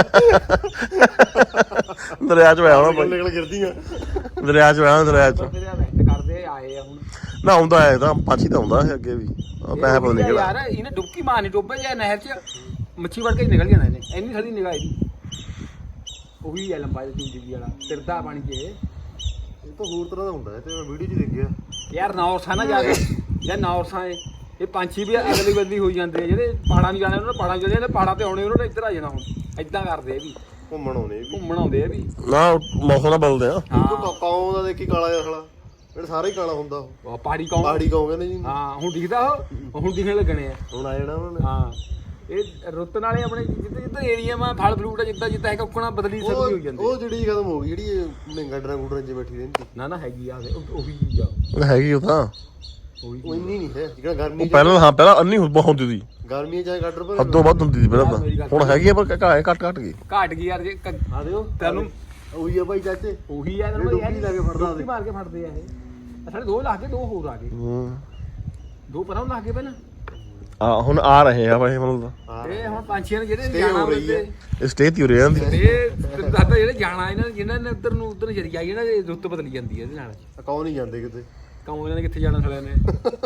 Speaker 2: ਦਰਿਆ ਚ ਹੋਇਆ ਹੋਣਾ ਭਾਈ
Speaker 4: ਨਿਕਲ ਗਿਰਦੀਆਂ
Speaker 2: ਦਰਿਆ ਚ ਹੋਇਆ ਦਰਿਆ ਚ
Speaker 3: ਤੇਰੇ ਮਿਹਨਤ ਕਰਦੇ ਆਏ ਆ ਹੁਣ
Speaker 2: ਨਾ ਆਉਂਦਾ ਹੈ ਤਾਂ ਪਾਛੀ ਤਾਂ ਆਉਂਦਾ ਹੈ ਅੱਗੇ ਵੀ ਆ ਪੈਸੇ ਪਤਾ ਨਹੀਂ ਕਿਹੜਾ
Speaker 3: ਯਾਰ ਇਹਨੇ ਡੁਬਕੀ ਮਾਰਨੀ ਟੋਬੇ ਜਾਂ ਨਹਿਰ 'ਚ ਮੱਛੀ ਵੜ ਕੇ ਨਿਕਲ ਜਾਣਾ ਇਹਨੇ ਇੰਨੀ ਸਾਡੀ ਨਿਗਾਹ ਇਹਦੀ ਉਹੀ ਹੈ ਲੰਬਾ ਜਿਹਾ ਜ਼ਿੰਦਗੀ ਵਾਲਾ ਫਿਰਦਾ ਬਣ ਕੇ
Speaker 4: ਇਹ ਤਾਂ ਹੋਰ ਤਰ੍ਹਾਂ ਦਾ ਹੁੰਦਾ ਹੈ ਤੇ ਮੈਂ ਵੀਡੀਓ 'ਚ ਦੇਖਿਆ
Speaker 3: ਯਾਰ ਨੌਰਸਾ ਨਾ ਜਾ ਕੇ ਜਾਂ ਨੌਰਸਾ ਏ ਇਹ ਪੰਛੀ ਵੀ ਅਗਲੀ ਬਦਲੀ ਹੋਈ ਜਾਂਦੇ ਆ ਜਿਹੜੇ ਪਹਾੜਾਂ ਨੂੰ ਜਾਣੇ ਉਹਨਾਂ ਨੇ ਪਹਾੜਾਂ ਚਲੇ ਜਾਂਦੇ ਪਹਾੜਾਂ ਤੇ ਆਉਣੇ ਉਹਨਾਂ ਨੇ ਇੱਧਰ ਆ ਜਾਣਾ ਹੁਣ ਏਦਾਂ ਕਰਦੇ ਆ ਵੀ
Speaker 4: ਘੁੰਮਣ ਆਉਣੇ ਵੀ
Speaker 3: ਘੁੰਮਣ ਆਉਂਦੇ ਆ ਵੀ
Speaker 2: ਨਾ ਮੌਸਮ ਦਾ ਬਦਲਦੇ ਆ
Speaker 4: ਉਹ ਕੌਂ ਦਾ ਦੇਖੀ ਕਾਲਾ ਜਿਹਾ ਸਾਲਾ ਜਿਹੜਾ ਸਾਰਾ ਹੀ ਕਾਲਾ ਹੁੰਦਾ ਉਹ
Speaker 3: ਉਹ ਪਹਾੜੀ ਕੌਣ
Speaker 4: ਪਹਾੜੀ ਕੌਂ ਕਹਿੰਦੇ ਜੀ
Speaker 3: ਹਾਂ ਹੁਣ ਦਿਖਦਾ ਉਹ ਹੁਣ ਦਿਖਣ ਲੱਗਣੇ ਆ
Speaker 4: ਹੁਣ ਆ ਜਾਣਾ ਉਹਨਾਂ ਨੇ
Speaker 3: ਹਾਂ ਇਹ ਰੁੱਤ ਨਾਲੇ ਆਪਣੇ ਜਿੱਦਾਂ ਜਿੱਦਾਂ ਏਰੀਆ ਮਾ ਫਲ ਫਰੂਟ ਆ ਜਿੱਦਾਂ ਜਿੱਦਾਂ ਹੈਗਾ ਉੱਕਣਾ ਬਦਲੀ ਸਕਦੀ ਹੋਈ ਜਾਂਦੀ
Speaker 4: ਉਹ ਜਿਹੜੀ ਖਤਮ ਹੋ ਗਈ ਜਿਹੜੀ ਨਿੰਗਾ ਡਰਾਂ ਗੁੱਡਰਾਂ 'ਚ ਬੈਠੀ ਰਹਿੰਦੀ
Speaker 3: ਨਾ ਨਾ ਹੈਗੀ ਆ ਉਹ- ਉਹੀ ਚੀਜ਼ ਆ
Speaker 2: ਉਹ ਹੈਗੀ ਉਹ ਤਾਂ
Speaker 3: ਉਹੀ
Speaker 4: ਉਹ ਇੰਨੀ ਨਹੀਂ ਹੈ ਜਿਹੜਾ ਗਰਮੀ
Speaker 2: ਉਹ ਪਹਿਲਾਂ ਹਾਂ ਪਹਿਲਾਂ ਅੰਨੀ ਬਹੁਤ ਹੁੰਦੀ ਸੀ
Speaker 4: ਗਰਮੀ ਚਾਹੇ ਗੱਡਰ ਪਰ
Speaker 2: ਹੱਦੋਂ ਵੱਧ ਹੁੰਦੀ ਸੀ ਪਹਿਲਾਂ ਤਾਂ ਹੁਣ ਹੈਗੀ ਆ ਪਰ ਘਾਏ ਘੱਟ ਘੱਟ ਗਈ
Speaker 3: ਘਾਟ ਗਈ ਯਾਰ ਜੇ ਕ-
Speaker 4: ਆ ਦਿਓ
Speaker 3: ਤੈਨੂੰ
Speaker 4: ਉਹੀ ਆ ਭਾਈ ਚਾਚੇ
Speaker 3: ਉਹੀ ਆ
Speaker 4: ਇਹ
Speaker 3: ਤੈਨੂੰ
Speaker 4: ਡੁਬਕੀ ਲਾ ਕੇ ਫੜਦਾ
Speaker 3: ਡੁਬਕੀ ਮਾਰ ਕੇ ਫੜਦੇ ਆ ਇਹ ਆਹ ਸਾਡੇ ਦੋ ਲਾ ਕੇ ਦੋ ਹੋਰ ਆ ਗਏ
Speaker 2: ਹੂੰ
Speaker 3: ਦੋ ਪਰਾਂ ਲਾ ਕੇ ਪਹਿਲਾਂ
Speaker 2: ਆ ਹੁਣ ਆ ਰਹੇ ਆ ਭਾਈ ਮਤਲਬ
Speaker 4: ਹਾਂ
Speaker 3: ਇਹ ਹੁਣ ਪੰਛੀਆਂ ਨੇ ਜਿਹੜੇ
Speaker 4: Stay
Speaker 3: ਜਾਣਾ
Speaker 4: ਹੋ ਰਹੀ ਹੈ।
Speaker 3: ਉਹਦੇ
Speaker 2: ਇਹ ਸਟੇ ਤੇ ਰਹਿ ਜਾਂਦੀ
Speaker 3: ਇਹ ਦਾਦਾ ਜਿਹੜੇ ਜਾਣਾ ਇਹਨਾਂ ਨੇ ਜਿਨ੍ਹਾਂ ਨੇ ਉੱਧਰ ਨੂੰ ਉੱਧਰ ਜਰੀ ਆਈ ਇਹਨਾਂ ਦੀ ਰੁੱਤ ਬਦਲੀ ਜਾਂਦੀ ਹੈ ਇਹਦੇ ਨਾਲ
Speaker 4: ਕੌਂ ਨਹੀਂ ਜਾਂਦੇ ਕਿਤੇ
Speaker 3: ਕੰਮ ਇਹਨਾਂ ਨੇ ਕਿੱਥੇ ਜਾਣਾ ਸਾਲਿਆਂ ਨੇ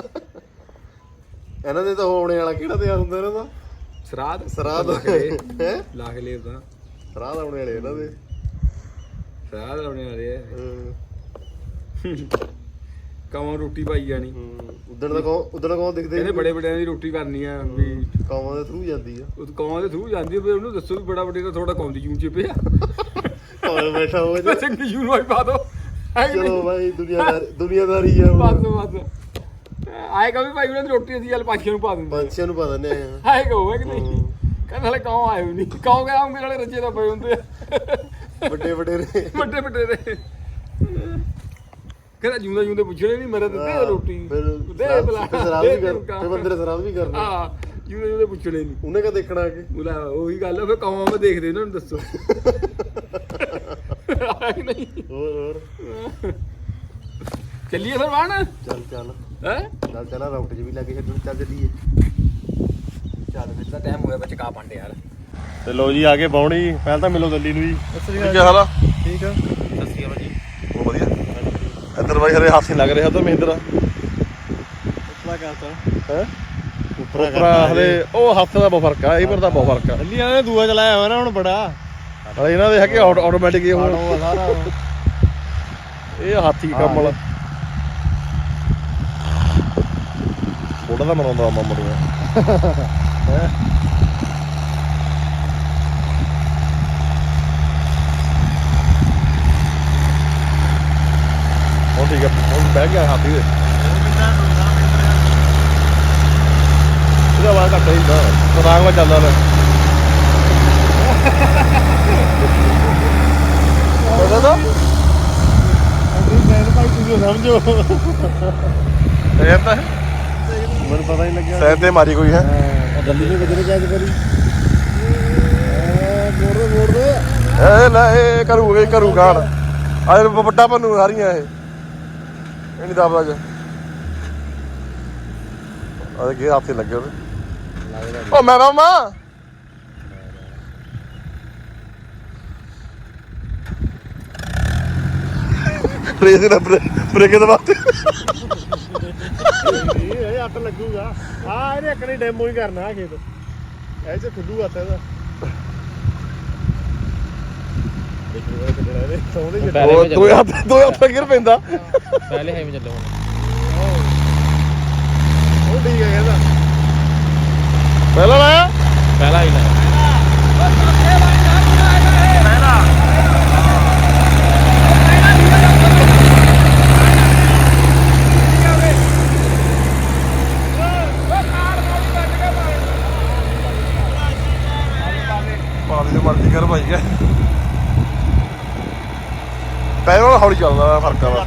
Speaker 4: ਇਹਨਾਂ ਦੇ ਤਾਂ ਹੋਣੇ ਵਾਲਾ ਕਿਹੜਾ ਤਿਆਰ ਹੁੰਦਾ ਇਹਨਾਂ ਦਾ
Speaker 3: ਸਰਾਧ
Speaker 4: ਸਰਾਧ
Speaker 3: ਲਾ ਕੇ
Speaker 4: ਹੈ
Speaker 3: ਲੈ- ਲਾ ਕੇ ਲੈ ਤਾਂ
Speaker 4: ਸਰਾਧ ਆਉਣੇ ਵਾਲੇ ਇਹਨਾਂ ਦੇ
Speaker 3: ਸਰਾਧ ਲਾਉਣੇ ਵਾਲੇ ਆ
Speaker 4: ਹਾਂ।
Speaker 3: ਕਮਾਂ ਰੋਟੀ ਪਾਈ ਜਾਣੀ
Speaker 4: ਹੂੰ ਉਦਣ ਦਾ ਕੌਣ ਉਦਣ ਕੌਣ ਦਿਖਦੇ
Speaker 3: ਕਹਿੰਦੇ ਬੜੇ ਵੱਡਿਆਂ ਦੀ ਰੋਟੀ ਕਰਨੀ ਆ ਵੀ
Speaker 4: ਕੌਮਾਂ ਦੇ ਥਰੂ ਜਾਂਦੀ ਆ
Speaker 3: ਉਹ ਕੌਮਾਂ ਦੇ ਥਰੂ ਜਾਂਦੀ ਆ ਵੀ ਉਹਨੂੰ ਦੱਸੋ ਵੀ ਬੜਾ ਵੱਡੇ ਦਾ ਥੋੜਾ ਕੌਮ ਦੀ ਜੂਨ ਚ ਪਿਆ
Speaker 4: ਹੋਰ ਬੈਠਾ ਹੋਵੇ
Speaker 3: ਬਸ ਇੱਕ ਜੂਨ ਵਾਈ ਪਾ ਦੋ
Speaker 4: ਚਲੋ ਭਾਈ ਦੁਨੀਆਦਾਰੀ ਦੁਨੀਆਦਾਰੀ ਆ
Speaker 3: ਬਸ ਬਸ ਆਏਗਾ ਵੀ ਭਾਈ ਉਹਨਾਂ ਦੀ ਰੋਟੀ ਅਸੀਂ ਚੱਲ ਪੰਛੀਆਂ ਨੂੰ ਪਾ ਦਿੰਦੇ
Speaker 4: ਪੰਛੀਆਂ ਨੂੰ ਪਤਾ ਨਹੀਂ ਆ
Speaker 3: ਆਏਗਾ ਹੋਵੇ ਕਿ ਨਹੀਂ ਕਹਿੰਦੇ ਹਲੇ ਕੌਂ ਆਏ ਨਹੀਂ ਕੌਂ ਗਿਆ ਆਉਂਗੇ ਨਾਲੇ ਰੱਜੇ ਦਾ ਪਏ ਹੁੰਦੇ ਆ
Speaker 4: ਵੱਡੇ ਵੱਡੇ ਨੇ
Speaker 3: ਵੱਡੇ ਵੱਡੇ ਦੇ ਕਹਿੰਦਾ ਜੂੰਦਾ ਜੂੰਦੇ ਪੁੱਛਣੇ ਨਹੀਂ ਮੇਰੇ ਦਿੱਤੇ ਰੋਟੀ
Speaker 4: ਫਿਰ
Speaker 3: ਦੇ ਬਲਾ
Speaker 4: ਸਰਾਬ ਵੀ ਕਰ ਫਿਰ ਬੰਦੇ ਨੇ ਸਰਾਬ ਵੀ ਕਰਨਾ
Speaker 3: ਹਾਂ ਜੂੰਦੇ ਜੂੰਦੇ ਪੁੱਛਣੇ ਨਹੀਂ
Speaker 4: ਉਹਨੇ ਕਾ ਦੇਖਣਾ ਆ ਕੇ
Speaker 3: ਉਹਦਾ ਉਹੀ ਗੱਲ ਆ ਫਿਰ ਕੌਮਾਂ ਮੈਂ ਦੇਖਦੇ ਉਹਨਾਂ ਨੂੰ ਦੱਸੋ ਆਏ ਨਹੀਂ
Speaker 4: ਹੋਰ ਹੋਰ
Speaker 3: ਚੱਲੀਏ ਫਿਰ ਬਾਣ
Speaker 4: ਚੱਲ ਚੱਲ
Speaker 3: ਹੈ
Speaker 4: ਚੱਲ ਚੱਲ ਰਾਊਟ 'ਚ ਵੀ ਲੱਗੇ ਛੱਡਣ ਚੱਲ ਚੱਲੀਏ
Speaker 3: ਚੱਲ ਫਿਰ ਤਾਂ ਟਾਈਮ ਹੋਇਆ ਬੱਚੇ ਕਾ ਪਾਂਡੇ ਯਾਰ
Speaker 2: ਤੇ ਲੋ ਜੀ ਆ ਕੇ ਬਾਉਣੀ ਪਹਿਲਾਂ ਤਾਂ ਮਿਲੋ ਦਿੱਲੀ ਨੂੰ ਜੀ ਕੀ ਹਾਲ ਆ
Speaker 4: ਠੀਕ ਆ
Speaker 3: ਸਤਿ ਸ਼੍ਰੀ ਅਕਾਲ ਜੀ
Speaker 2: ਬਹੁਤ ਵਧੀਆ ਇੱਧਰ ਬਾਈ ਹਰੇ ਹੱਥ ਨਹੀਂ ਲੱਗ ਰਿਹਾ ਤਾਂ ਮਹਿੰਦਰਾ
Speaker 4: ਉਪਰਾ ਕਰਤਾ
Speaker 2: ਹੈ ਉਪਰਾ ਹਲੇ ਉਹ ਹੱਥ ਦਾ ਬਹੁਤ ਫਰਕ ਆ ਇਹ ਪਰ ਦਾ ਬਹੁਤ ਫਰਕ ਆ
Speaker 4: ਦਿੱਲੀਆਂ ਨੇ ਦੂਆ ਚਲਾਇਆ ਹੋਇਆ ਨਾ ਹੁਣ ਬੜਾ
Speaker 2: ਹਲੇ ਇਹਨਾਂ ਦੇ ਹੈਗੇ ਆਟੋਮੈਟਿਕ ਇਹ ਹੁਣ
Speaker 4: ਆਟੋ ਸਾਰਾ
Speaker 2: ਇਹ ਹਾਥੀ ਕੰਮ ਵਾਲਾ ਬੋੜਾ ਦਾ ਮਨਾਉਂਦਾ ਮਾਮਾ ਨੂੰ ਹੈ ਹੁਣ ਠੀਕ ਆ ਹੁਣ ਬਹਿ ਗਿਆ ਹਾਥੀ ਦੇ ਇਹਦਾ ਵਾਰ ਘੱਟ ਹੀ ਨਾ ਸਰਾਂਗ ਵਾ ਚੱਲਦਾ ਲੈ ਪਤਾ ਤਾਂ
Speaker 4: ਭਾਈ ਤੁਸੀਂ ਸਮਝੋ
Speaker 2: ਇਹ ਤਾਂ
Speaker 4: ਮੈਨੂੰ ਪਤਾ ਨਹੀਂ ਲੱਗਿਆ
Speaker 2: ਸੈਰ ਤੇ ਮਾਰੀ ਕੋਈ ਹੈ
Speaker 4: ਦਿੱਲੀ ਨੇ ਕਿਧਰੇ ਕੈਦ ਕਰੀ ਮੋੜ ਦੇ ਮੋੜ ਦੇ
Speaker 2: ਇਹ ਲੈ ਇਹ ਕਰੂਗਾ ਇਹ ਕਰੂ ਕਾਣ ਆ ਵੱਡਾ ਪੰਨੂ ਸਾਰੀਆਂ ਇਹ ਇਹ ਨਹੀਂ ਦਾਬਦਾ ਜ ਆ ਦੇ ਹੱਥੇ ਲੱਗੇ ਉਹਦੇ ਓ ਮੈਂ ਮਾਮਾ ਰੇਸ ਨਾ ਬ੍ਰੇਕ ਦੇ ਬਾਅਦ
Speaker 4: ਇਹ ਅੱਟ ਲੱਗੂਗਾ ਆ ਇਹਨੇ ਇੱਕ ਨੇ ਡੈਮੋ ਹੀ ਕਰਨਾ ਖੇਤ ਇਹ ਚ ਖੁੱਲੂ ਆਤਾ ਇਹਦਾ ਦੇਖੋ ਕਿਹੜਾ ਇਹਦੇ ਸੌਂਦੇ
Speaker 2: ਉਹ ਦੋ ਹੱਥ ਦੋ ਹੱਥ ਗਿਰ ਪੈਂਦਾ
Speaker 3: ਪਹਿਲੇ ਹੈ ਮੈਂ ਚੱਲੋ ਹੁਣ
Speaker 4: ਉਹ ਠੀਕ ਹੈ ਕਹਿੰਦਾ
Speaker 2: ਪਹਿਲਾਂ ਲਾਇਆ
Speaker 3: ਪਹਿਲਾ ਹੀ ਲਾਇਆ
Speaker 2: ਪਾਣੀ ਦੀ ਮਰਜ਼ੀ ਕਰ ਭਾਈ ਹੈ ਪਹਿਲਾਂ ਹੌਲੀ ਚੱਲਦਾ ਫਰਕ ਆ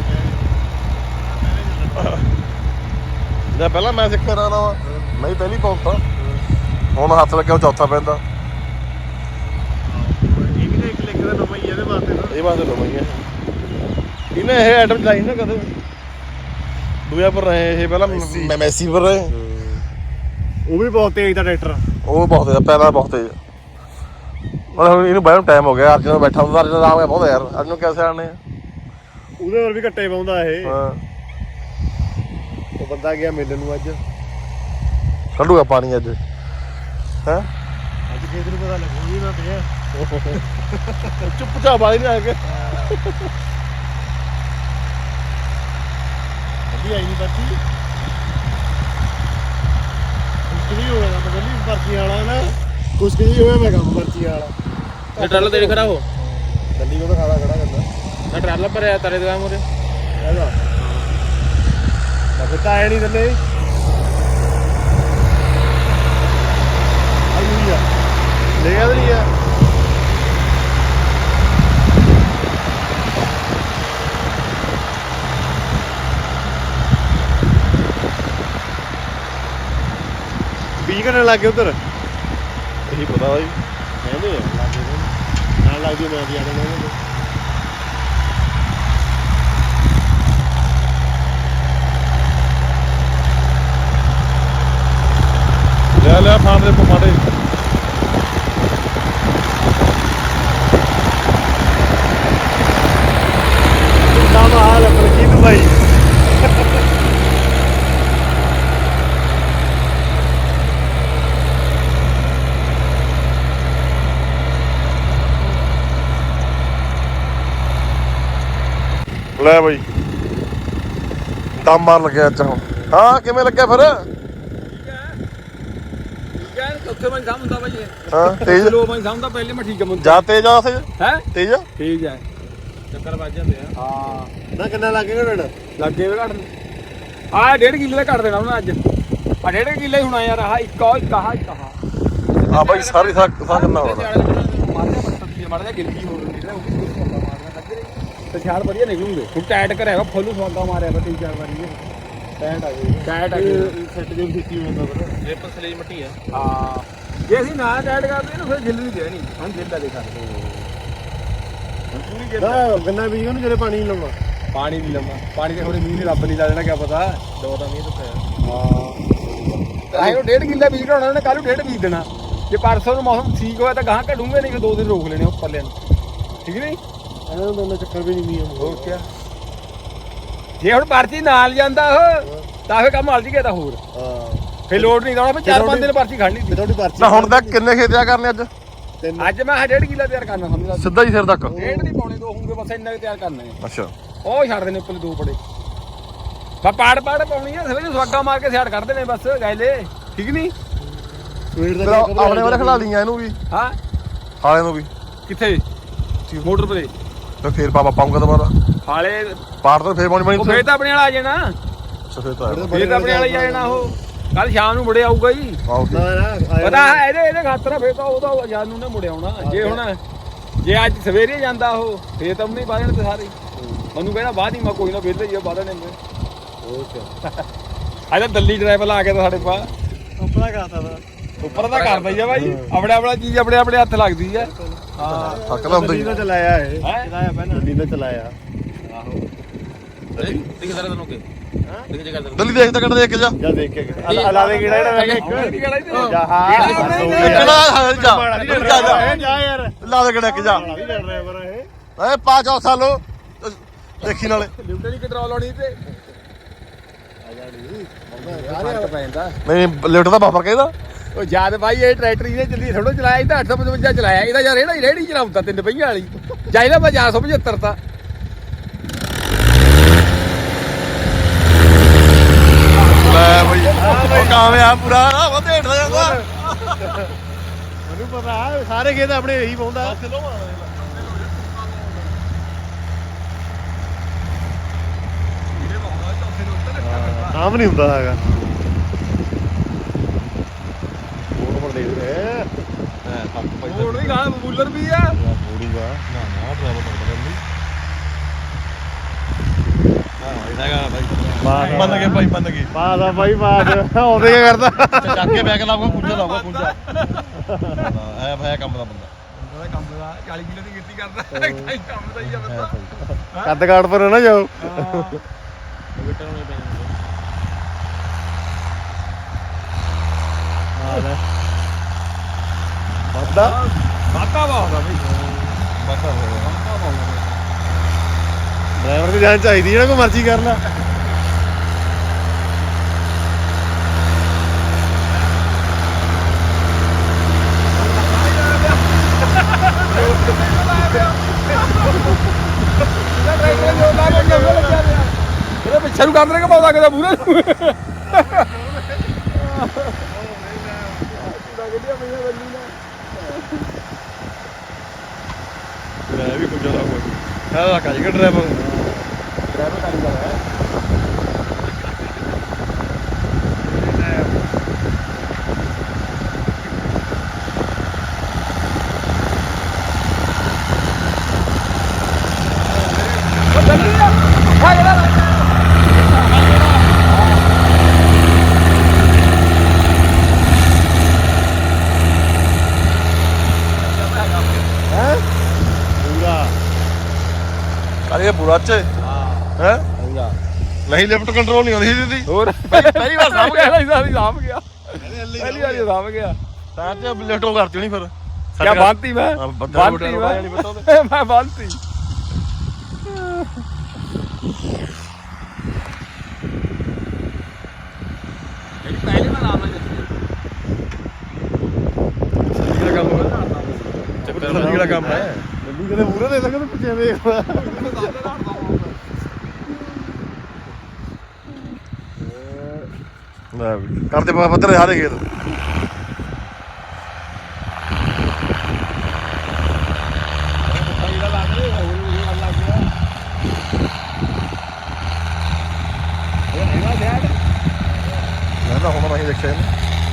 Speaker 2: ਜੇ ਪਹਿਲਾਂ ਮੈਂ ਸਿੱਖ ਰਿਹਾ ਨਾ ਮੈਂ ਹੀ ਪਹਿਲੀ ਪਹੁੰਚਦਾ ਹੁਣ ਹੱਥ ਲੱਗਿਆ ਉਹ ਚੌਥਾ ਪੈਂਦਾ
Speaker 4: ਇਹ ਵੀ ਤਾਂ ਇੱਕ ਲਿਖ ਦਾ ਨਵਾਂ ਹੀ ਇਹਦੇ ਵਾਸਤੇ ਨਾ
Speaker 2: ਇਹ ਬਾਤ ਲਵਾਈ ਹੈ ਇਹਨੇ ਇਹ ਆਈਟਮ ਚਲਾਈ ਨਾ ਕਦੇ ਦੂਆ ਪਰ ਰਹੇ ਇਹ ਪਹਿਲਾਂ ਮੈਂ ਮੈਸੀ ਪਰ ਰਹੇ
Speaker 4: ਉਹ ਵੀ ਬਹੁਤ ਤੇਜ਼ ਦਾ ਟਰੈਕਟਰ
Speaker 2: ਉਹ ਬਹੁਤ ਹੈ ਪਹਿਲਾਂ ਬਹੁਤ ਤੇਜ਼ ਹੁਣ ਇਹਨੂੰ ਬੈਠਣ ਟਾਈਮ ਹੋ ਗਿਆ ਅਰਜਨ ਬੈਠਾ ਹੁੰਦਾ ਅਰਜਨ ਆਰਾਮ ਗਿਆ ਬਹੁਤ ਯਾਰ ਅਰਜਨ ਨੂੰ ਕਿਵੇਂ ਆਣੇ
Speaker 4: ਉਹਦੇ ਹੋਰ ਵੀ ਘੱਟੇ ਪਾਉਂਦਾ ਇਹ
Speaker 2: ਹਾਂ
Speaker 4: ਉਹ ਬੰਦਾ ਗਿਆ ਮਿਲਣ ਨੂੰ ਅੱਜ
Speaker 2: ਕੱਢੂਗਾ ਪਾਣੀ ਅੱਜ ਹੈ
Speaker 4: ਅੱਜ ਖੇਤ ਨੂੰ ਪਤਾ ਲੱਗੂ ਵੀ ਨਾ ਪਿਆ
Speaker 2: ਚੁੱਪ ਚਾਪ ਵਾਲੀ ਨਹੀਂ ਆ ਕੇ
Speaker 4: ਅੱਧੀ ਆਈ ਨਹੀਂ ਬੱਚੀ ਕੁਛ ਨਹੀਂ ਹੋਇਆ ਮੈਂ ਕਹਿੰਦੀ ਪਰਚੀ ਵਾਲਾ ਨਾ ਕੁਛ ਨਹੀਂ ਹੋਇਆ ਮੈਂ ਕੰਮ ਪਰਚੀ ਵਾਲਾ
Speaker 3: ਇਹ ਟਰਾਲਾ ਤੇਰੇ ਖੜਾ ਹੋ
Speaker 4: ਗੱਡੀ ਕੋਲ ਖਾਦਾ ਖੜਾ ਕਰਦਾ
Speaker 3: ਨਾ ਟਰਾਲਾ ਭਰਿਆ ਤਾਰੇ ਦੁਕਾਨ ਮੋਰੇ
Speaker 4: ਇਹਦਾ ਮੈਂ ਤਾਂ ਆਇਆ ਨਹੀਂ ਥੱਲੇ ਆਈ ਆ ਲੈ ਗਿਆ ਨਹੀਂ ਆ ਬੀਜ ਘਟਣ ਲੱਗ ਗਿਆ ਉਧਰ
Speaker 2: ਇਹੀ ਪਤਾ ਬਾਈ
Speaker 4: ਕਹਿੰਦੇ ਆ ਲੱਗ ਗਏ ਨਾਲ ਲੱਗ ਜੂ ਮੈਂ ਵੀ ਆ ਜਾਣਾ
Speaker 2: ਲੈ ਲੈ ਫਾਂਡ ਦੇ ਪਮਾੜੇ
Speaker 4: ਕਿੰਨਾ ਮਾਲ ਆਪਣੀ ਕੀ ਤੂੰ ਬਾਈ
Speaker 2: ਲੈ ਬਾਈ ਦਮ ਮਾਰ ਲੱਗਿਆ ਅੱਜ ਹੁਣ ਹਾਂ ਕਿਵੇਂ ਲੱਗਿਆ ਫਿਰ
Speaker 3: ਠੀਕ ਹੈ ਠੀਕ ਹੈ ਚੌਥੇ ਮੈਂ ਸਾਹਮਣੇ ਹੁੰਦਾ ਬਾਈ ਇਹ
Speaker 2: ਹਾਂ ਤੇਜ਼
Speaker 3: ਲੋ ਮੈਂ ਸਾਹਮਣੇ ਪਹਿਲੇ ਮੈਂ ਠੀਕ ਹੈ ਮੁੰਡਾ
Speaker 2: ਜਾ ਤੇਜ਼ ਆ ਸੇ
Speaker 3: ਹੈ
Speaker 2: ਤੇਜ਼ ਆ
Speaker 3: ਠੀਕ ਹੈ
Speaker 1: ਚੱਕਰ ਵੱਜ ਜਾਂਦੇ ਆ
Speaker 3: ਹਾਂ
Speaker 4: ਨਾ ਕਿੰਨਾ ਲੱਗੇਗਾ ਡੜ
Speaker 3: ਲੱਗੇ ਵੇ ਘੱਟ ਆ ਡੇਢ ਕਿੱਲੇ ਦਾ ਕੱਟ ਦੇਣਾ ਉਹਨਾਂ ਅੱਜ ਆ ਡੇਢ ਕਿੱਲੇ ਹੁਣ ਯਾਰ ਆਹ ਇੱਕ ਆ ਇੱਕ ਆਹ ਇੱਕ ਆਹ
Speaker 2: ਹਾਂ ਬਾਈ ਸਾਰੀ ਸਾਹ ਸਾਹ ਕਿੰਨਾ ਹੋਣਾ
Speaker 3: ਮਾਰਦਾ ਪੱਤੀ ਮਾਰਦਾ ਗਿਲਕੀ ਹੋ ਰਹੀ ਹੈ ਉਹ ਵੀ ਮਾਰਦਾ ਲੱਗ ਰਹੀ ਤੇ ਛਾਲ ਵਧੀਆ ਨਿਕਲੂਗੇ ਹੁਣ ਟਾਈਟ ਕਰਿਆ ਫੁੱਲ ਸਵਾਗਾ ਮਾਰਿਆ ਵਾ ਤਿੰਨ ਚਾਰ ਵਾਰੀ
Speaker 4: ਟੈਂਟ ਆ ਗਈ
Speaker 3: ਟਾਈਟ ਆ ਗਈ
Speaker 4: ਸੈੱਟ ਦੇ ਵਿੱਚ ਕੀ ਹੁੰਦਾ ਫਿਰ
Speaker 1: ਜੇ ਪਸਲੇ ਮੱਟੀ ਆ
Speaker 3: ਹਾਂ ਜੇ ਅਸੀਂ ਨਾ ਟਾਈਟ ਕਰਦੇ ਨਾ ਫਿਰ ਗਿੱਲ ਨਹੀਂ ਦੇਣੀ ਹੁਣ ਗਿੱਲ ਦਾ ਦੇਖਾ ਪੂਰੀ ਗਿੱਲ
Speaker 4: ਨਾ ਗੰਨਾ ਬੀਜ ਉਹਨੂੰ ਜਿਹੜੇ ਪਾਣੀ ਨਹੀਂ ਲਾਉਣਾ
Speaker 3: ਪਾਣੀ ਨਹੀਂ ਲਾਉਣਾ ਪਾਣੀ ਤੇ ਥੋੜੇ ਮੀਂਹ ਨੇ ਰੱਬ ਨਹੀਂ ਲਾ ਦੇਣਾ ਕਿਆ ਪਤਾ
Speaker 1: ਦੋ ਦਾ ਮੀਂਹ ਤੋਂ
Speaker 3: ਹਾਂ ਆਹੇ ਉਹ ਡੇਢ ਕਿੱਲਾ ਬੀਜ ਘੜਾਉਣਾ ਉਹਨੇ ਕੱਲ ਨੂੰ ਡੇਢ ਬੀਜ ਦੇਣਾ ਜੇ ਪਰਸੋਂ ਨੂੰ ਮੌਸਮ ਠੀਕ ਹੋਇਆ ਤਾਂ ਗਾਹਾਂ ਘੜੂਗੇ ਨਹੀਂ ਫਿਰ ਦੋ ਦਿਨ ਰੋਕ ਲੈਣੇ ਉੱਪਰ ਲੈਣ ਠੀਕ ਨਹੀਂ
Speaker 4: ਇਹਨਾਂ ਦੋਨੇ ਚੱਕਰ ਵੀ ਨਹੀਂ ਮੀਂਹ
Speaker 3: ਹੋਰ ਕਿਆ ਜੇ ਹੁਣ ਪਰਚੀ ਨਾਲ ਜਾਂਦਾ ਉਹ ਤਾਂ ਫੇ ਕੰਮ ਹਲ ਜੀ ਗਿਆ ਤਾਂ ਹੋਰ
Speaker 4: ਹਾਂ
Speaker 3: ਫੇ ਲੋਡ ਨਹੀਂ ਲਾਉਣਾ ਫੇ ਚਾਰ ਪੰਜ ਦਿਨ ਪਰਚੀ ਖੜਨੀ
Speaker 4: ਤੇ ਤੁਹਾਡੀ ਪਰਚੀ
Speaker 2: ਨਾ ਹੁਣ ਤੱਕ ਕਿੰਨੇ ਖੇਤ ਆ ਕਰਨੇ ਅੱਜ
Speaker 4: ਤਿੰਨ
Speaker 3: ਅੱਜ ਮੈਂ ਡੇਢ ਕਿੱਲਾ ਤਿਆਰ ਕਰਨਾ ਸਮਝ ਲਾ
Speaker 2: ਸਿੱਧਾ ਹੀ ਸਿਰ ਤੱਕ
Speaker 3: ਡੇਢ ਨਹੀਂ ਪਾਉਣੇ ਦੋ ਹੋਣਗੇ ਬਸ ਇੰਨਾ ਕੁ ਤਿਆਰ ਕਰਨਾ ਹੈ
Speaker 2: ਅੱਛਾ
Speaker 3: ਉਹ ਛੱਡ ਦੇਣੇ ਉੱਪਰ ਦੋ ਬੜੇ ਬਾ ਪਾੜ ਪਾੜ ਪਾਉਣੀ ਆ ਸਵੇਰੇ ਸਵਾਗਾ ਮਾਰ ਕੇ ਸਿਆੜ ਕੱਢ ਦੇਣੇ ਬਸ ਗੈਲੇ ਠੀਕ ਨਹੀਂ
Speaker 4: ਸਵੇਰ
Speaker 2: ਫਿਰ
Speaker 4: ਦਾ
Speaker 2: ਆਪਣੇ ਵਾਲੇ ਖਿਲਾ ਲਈਆਂ ਇਹਨੂੰ ਵੀ
Speaker 3: ਹਾਂ
Speaker 2: ਹਾਲੇ ਨੂੰ ਵੀ
Speaker 3: ਕਿੱਥੇ ਮੋਟਰ ਪਰੇ
Speaker 2: ਤੇ ਫੇਰ ਪਾਪਾ ਪਾਉਂਗਾ ਦੁਬਾਰਾ
Speaker 3: ਹਾਲੇ
Speaker 2: ਪਾੜ ਤੋਂ ਫੇਰ ਪਾਣੀ ਪਾਣੀ
Speaker 3: ਉਹ ਫੇਰ ਤਾਂ ਆਪਣੇ ਵਾਲਾ ਆ ਜਾਣਾ
Speaker 2: ਸਫੇਦ ਤਾਂ ਹੈ।
Speaker 3: ਫੇਰ ਤਾਂ ਆਪਣੇ ਵਾਲਾ ਹੀ ਆ ਜਾਣਾ ਉਹ ਕੱਲ ਸ਼ਾਮ ਨੂੰ ਮੁੜੇ ਆਊਗਾ ਜੀ
Speaker 2: ਆਓ
Speaker 4: ਨਾ ਨਾ
Speaker 3: ਪਤਾ ਹੈ ਇਹਦੇ ਇਹਦੇ ਖਾਤਰ ਆ, ਫੇਰ ਤਾਂ ਉਹਦਾ ਆਜ਼ਾਦ ਨੂੰ ਨਾ ਮੁੜ ਆਉਣਾ ਜੇ ਹੁਣ ਜੇ ਅੱਜ ਸਵੇਰੇ ਜਾਂਦਾ ਉਹ ਫੇਰ ਤਾਂ ਨਹੀਂ ਬਾਹਰ ਤੇ ਸਾਰੇ ਮੈਨੂੰ ਕਹਿੰਦਾ ਬਾਅਦ ਹੀ ਮੈਂ ਕੋਈ ਨਾ ਵਿਹਲੇ ਹੀ ਆ ਬਾਹਰ ਨੇ ਮੈਂ ਅੱਜ ਤਾਂ ਦਿੱਲੀ ਡਰਾਈਵਰ ਲਾ ਕੇ ਤਾਂ ਸਾਡੇ ਪਾ
Speaker 4: ਉੱਪਰਾ ਕਰਤਾ ਦਾ
Speaker 3: ਉੱਪਰ ਦਾ ਕਰਦਾ ਹੀ ਆ ਬਾਈ ਆਪਣੇ ਆਪਣਾ ਚੀਜ਼ ਆਪਣੇ ਆਪਣੇ ਹੱਥ ਲੱਗਦੀ ਆ ਹਾਂ
Speaker 2: ਥੱਕਦਾ ਹੁੰਦਾ
Speaker 4: ਗੱਡੀ
Speaker 2: ਹੀ
Speaker 4: ਨਾਲ ਚਲਾਇਆ ਇਹ
Speaker 3: ਹੈਂ?
Speaker 4: ਚਲਾਇਆ ਪਹਿਲਾਂ ਗੱਡੀ ਨਾਲ ਚਲਾਇਆ
Speaker 3: ਆਹੋ
Speaker 1: ਦਿਖ ਜ਼ਰਾ ਤੈਨੂੰ ਕੇ ਹਾਂ ਦਿਖ ਜੇ ਕਰ
Speaker 2: ਦਿੱਲੀ ਦੇਖ ਤਾਂ ਕੱਢ ਦੇਖ ਕੇ ਜਾ
Speaker 4: ਜਾ ਦੇਖ ਕੇ ਅਲਾ ਅਲਾ ਦੇ ਕਿਹੜਾ ਜਿਹੜਾ ਮੈਂ ਇੱਕ ਜਾ ਹਾਂ
Speaker 2: ਕਿਹੜਾ ਹਾਂ ਜਾ ਜਾ ਜਾ
Speaker 4: ਜਾ ਯਾਰ
Speaker 2: ਲਾ ਦੇ ਕਿਹੜਾ ਕਿ ਜਾ
Speaker 4: ਵੀ ਲੜ ਰਿਹਾ ਪਰ ਇਹ
Speaker 2: ਏ ਪਾ ਚੌ ਸਾਲੋ ਦੇਖੀ ਨਾਲੇ
Speaker 3: ਲਿਫਟ ਨਹੀਂ ਕੰਟਰੋਲ ਆਉਣੀ ਤੇ ਫਰਕ ਪੈ ਜਾਂਦਾ
Speaker 2: ਨਹੀਂ ਲਿਫਟ ਦਾ ਬਾਫਰ ਕਹਿੰਦਾ
Speaker 3: ਉਹ ਯਾਦ ਬਾਈ ਇਹ ਟਰੈਕਟਰ ਇਹਨੇ ਜਲਦੀ ਥੋੜਾ ਚਲਾਇਆ ਇਹਦਾ ਅੱਠ ਸੌ ਪਚਵੰਜਾ ਚਲਾਇਆ ਇਹਦਾ ਯਾਰ ਰੇੜਾ ਹੀ ਰੇੜੀ ਚਲਾਉਂਦਾ ਤਿੰਨ ਪਹੀਆਂ ਵਾਲੀ ਚਾਹੀਦਾ ਮੈਂ ਚਾਰ ਸੌ ਪਝੱਤਰ ਤਾਂ
Speaker 2: ਲੈ ਬਈ ਉਹ ਕਾਮਯਾਬ ਪੂਰਾ ਨਾ ਵਧੇੜਦਾ ਜਾਂਦਾ
Speaker 4: ਮੈਨੂੰ ਪਤਾ ਸਾਰੇ ਖੇਤ ਆਪਣੇ ਇਹੀ ਪਾਉਂਦਾ ਆਮ ਨਹੀਂ ਹੁੰਦਾ ਹੈਗਾ ਫੋਨ ਪਰ ਦੇਖ ਰਹੇ
Speaker 3: ਮੋੜ ਵੀ ਗਾਂ ਬੂਲਰ ਵੀ ਆ
Speaker 4: ਮੋੜੂਗਾ
Speaker 1: ਨਾ ਨਾ ਡਰਾਈਵਰ ਤੋਂ ਬਦਲ ਹਾਂ ਇਹਦਾ ਭਾਈ ਮੰਨ ਗਏ ਭਾਈ ਮੰਨ ਗਏ
Speaker 4: ਬਾਦ ਆ ਭਾਈ ਬਾਦ ਆਉਂਦੇ ਕੀ ਕਰਦਾ
Speaker 1: ਚੱਕ ਕੇ ਬੈਗ ਲਾਊਗਾ ਪੁੰਜਾ ਲਾਊਗਾ ਪੁੰਜਾ ਐ ਭਾਇਆ ਕੰਮ ਦਾ ਬੰਦਾ
Speaker 3: ਉਹਦਾ ਕੰਮ ਦਾ ਚਾਲੀ ਕਿਲੋ ਦੀ ਗਿੱਟੀ ਕਰਦਾ ਕਈ ਕੰਮ ਦਾ ਹੀ ਆ ਬੰਦਾ
Speaker 4: ਕੱਦ ਕਾਟ ਪਰ ਨਾ ਜਾਓ ਵੱਧਦਾ
Speaker 3: ਬਾਤਾ ਬਹੁਤ ਆ ਬਈ
Speaker 1: ਬਾਤਾ
Speaker 3: ਬਾਤਾ ਬਹੁਤ
Speaker 4: ਡਰਾਈਵਰ ਦੀ ਜਾਨ ਚਾਹੀਦੀ ਜਿਹੜਾ ਕੋਈ ਮਰਜ਼ੀ ਕਰ ਲਾ
Speaker 3: ਇਹਦੇ ਪਿੱਛੇ ਨੂੰ ਕੰਮ ਰੇ ਪਾਉਂਦਾ ਕਿਦਾ ਮੂਰੇ ਨੂੰ
Speaker 1: ਲੈ ਵੀ ਪੁੰਜਾ ਲਾਊਗਾ ਹਾਂ ਕਾਜੀ ਕਿ ਡਰਾਈਵਰ
Speaker 3: ਡਰਾਈਵਰ ਕਾਰੀਗਰ ਹੈ
Speaker 4: ਪੂਰਾ
Speaker 2: ਅਰੇ ਬੁਰਾ ਚ ਹੈ
Speaker 3: ਪੂਰਾ
Speaker 2: ਨਹੀਂ ਲਿਫਟ ਕੰਟਰੋਲ ਨਹੀਂ ਆਉਂਦੀ ਦੀਦੀ
Speaker 3: ਹੋਰ
Speaker 2: ਪਹਿਲੀ ਵਾਰ ਸਾਂਭ ਗਿਆ
Speaker 3: ਪਹਿਲੀ ਵਾਰ ਸਾਂਭ ਗਿਆ ਪਹਿਲੀ ਵਾਰ ਸਾਂਭ ਗਿਆ
Speaker 2: ਤਾਂ ਤੇ ਲਿਫਟ ਉਹ ਕਰਤੀ ਹੋਣੀ ਫਿਰ
Speaker 3: ਕਿਆ ਬੰਤੀ ਮੈਂ
Speaker 2: ਹਾਂ, ਬੰਦਾ
Speaker 3: ਬੰਤੀ
Speaker 2: ਰੋਟਾ ਰੋਟਾ ਨਹੀਂ ਪਤਾ
Speaker 3: ਮੈਂ ਮੈਂ ਬੰਤੀ ਜਿਹੜੀ ਪਹਿਲੇ ਮੈਂ ਨਾਮ ਹੈ
Speaker 1: ਜਿਹੜਾ ਕੰਮ ਹੋਇਆ ਚੱਕਰ ਜਿਹੜਾ ਕੰਮ ਹੈ
Speaker 4: ਗੱਡੀ ਕਦੇ ਪੂਰਾ ਦੇ ਸਕਦਾ ਪਿੱਛੇ ਵੇਖ
Speaker 2: ਲੈ ਵੀ ਕਰਦੇ ਪਾ ਪੱਧਰ ਸਾਰੇ ਖੇਤ
Speaker 3: ਜਿਹੜਾ ਲੱਗ ਰਿਹਾ ਹੋਰ ਵੀ ਗੱਲ ਲੱਗ ਗਿਆ ਇਹ ਹੈਗਾ ਜੈਡ
Speaker 2: ਮੈਂ ਤਾਂ ਹੁਣ ਨਹੀਂ ਦੇਖਿਆ ਇਹਨੂੰ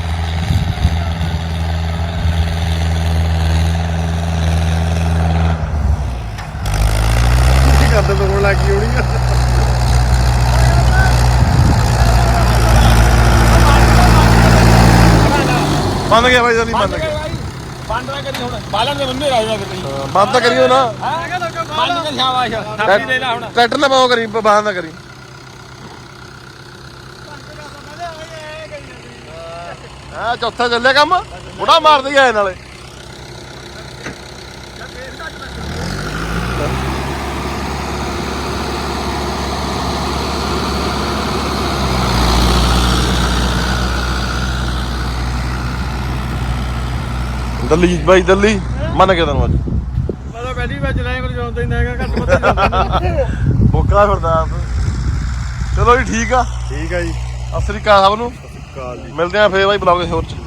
Speaker 2: ਕੀ ਕਰਦੇ ਤੋਂ ਲੱਗ ਗਈ ਹੋਣੀ ਬੰਦ ਗਿਆ ਬਾਈ ਜਲਦੀ ਬੰਦ ਗਿਆ
Speaker 3: ਬੰਦ ਨਾ ਕਰੀ ਹੁਣ ਬਾਲਣ ਦੇ ਬੰਦੇ ਰਾਜਾ ਕਰੀ
Speaker 2: ਹਾਂ, ਬੰਦ ਤਾਂ ਕਰੀਓ ਨਾ
Speaker 3: ਬੰਦ ਕਰ ਸ਼ਾਬਾਸ਼ ਥਾਪੀ ਦੇ ਲੈ ਹੁਣ
Speaker 2: ਟਰੈਕਟਰ ਨਾ ਪਾਓ ਕਰੀ ਬੰਦ ਨਾ ਕਰੀ ਹਾਂ ਚੌਥਾ ਚੱਲਿਆ ਕੰਮ ਬੁੜਾ ਮਾਰਦੇ ਹੀ ਆਏ ਨਾਲੇ ਦਿੱਲੀ ਬਾਈ ਦਿੱਲੀ ਮੰਨ ਕੇ ਤੈਨੂੰ ਅੱਜ
Speaker 1: ਮੈਂ ਤਾਂ ਪਹਿਲੀ ਵਾਰ ਚਲਾਇਆ ਕੋਈ ਜਾਣਦਾ ਹੀ ਨਹੀਂ ਹੈਗਾ ਘੱਟ ਵੱਧ
Speaker 2: ਬੋਕਾ ਫਿਰਦਾ ਆਪ ਚਲੋ ਜੀ ਠੀਕ ਆ
Speaker 4: ਠੀਕ ਆ ਜੀ
Speaker 2: ਸਤਿ ਸ੍ਰੀ ਅਕਾਲ ਸਭ ਨੂੰ
Speaker 4: ਕਾਲ ਜੀ
Speaker 2: ਮਿਲਦੇ ਆ ਫੇਰ ਬਾਈ ਬਲੌਗ ਹੋਰ ਚ